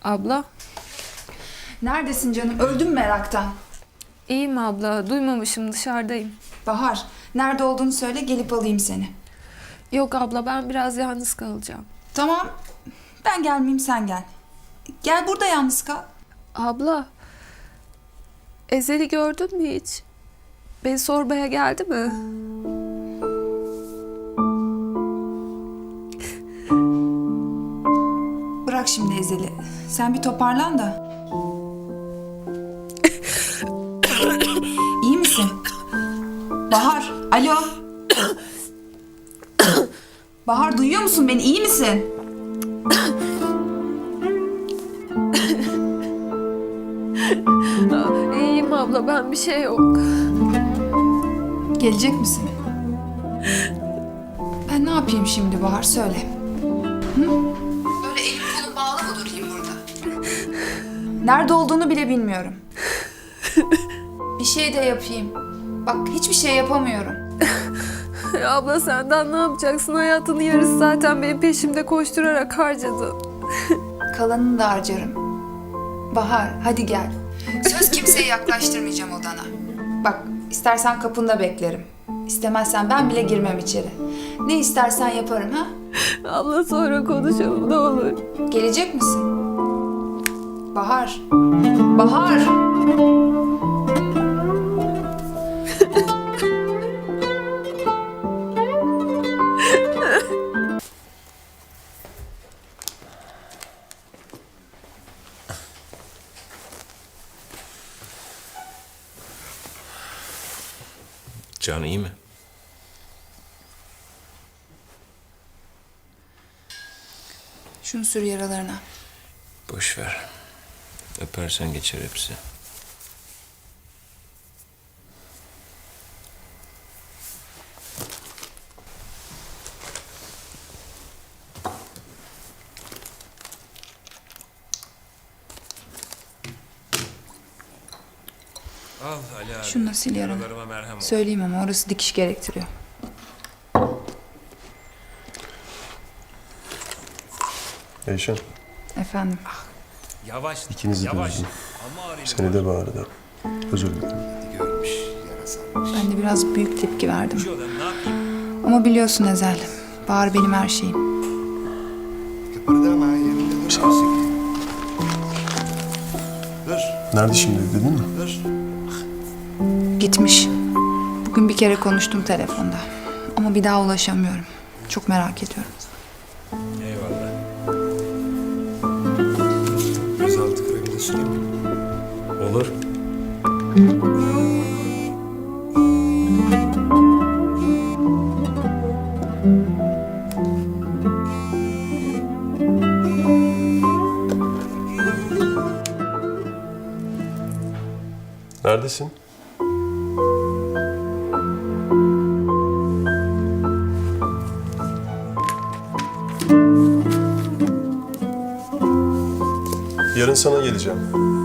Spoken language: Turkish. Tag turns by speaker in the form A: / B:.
A: Abla,
B: Neredesin canım? Öldüm meraktan.
A: iyiyim abla. Duymamışım, dışarıdayım.
B: Bahar, nerede olduğunu söyle, gelip alayım seni.
A: Yok abla, ben biraz yalnız kalacağım.
B: Tamam, ben gelmeyeyim, sen gel. Gel burada yalnız kal.
A: Abla, Ezel'i gördün mü hiç? Beni sormaya geldi mi?
B: Bırak şimdi Ezel'i. Sen bir toparlan da. İyi misin? Bahar, alo. Bahar, duyuyor musun beni? İyi misin?
A: İyiyim abla, ben bir şey yok.
B: Gelecek misin? Ben ne yapayım şimdi Bahar, söyle. Hı? Böyle elim kolum bağlı mı durayım burada? Nerede olduğunu bile bilmiyorum. Bir şey de yapayım. Bak, hiçbir şey yapamıyorum.
A: Abla senden ne yapacaksın? Hayatının yarısı zaten benim peşimde koşturarak harcadın.
B: Kalanını da harcarım. Bahar, hadi gel. Söz kimseye yaklaştırmayacağım odana. Bak, istersen kapında beklerim. İstemezsen ben bile girmem içeri. Ne istersen yaparım, ha?
A: Abla sonra konuşalım, ne olur.
B: Gelecek misin? Bahar. Bahar.
C: Can iyi mi?
B: Şunu sür yaralarına.
C: Boş ver. Öpersen geçer hepsi. Al Ali abi.
B: Şunu da sil yarana.
C: Yaralarıma merhem ol.
B: Söyleyeyim ama orası dikiş gerektiriyor.
D: Eyşan,
B: Efendim.
C: Yavaş.
D: ikinizi de
C: yavaş.
D: üzdüm.
C: Ama arayayım.
D: Seni de Bahar'ı da. Özür dilerim.
C: Görmüş, yarasa.
B: Ben de biraz büyük tepki verdim.
C: Şu adam ne yapayım?
B: Ama biliyorsun Ezel. Bahar benim her şeyim.
E: Kıpırdama yerinde dur. Dur,
D: Nerede şimdi, dedin mi?
E: dur.
B: Gitmiş. Bugün bir kere konuştum telefonda. Ama bir daha ulaşamıyorum. Çok merak ediyorum.
C: Eyvallah.
E: Gözaltı kremini süreyim mi?
C: Olur.
D: Neredesin? Yarın sana geleceğim.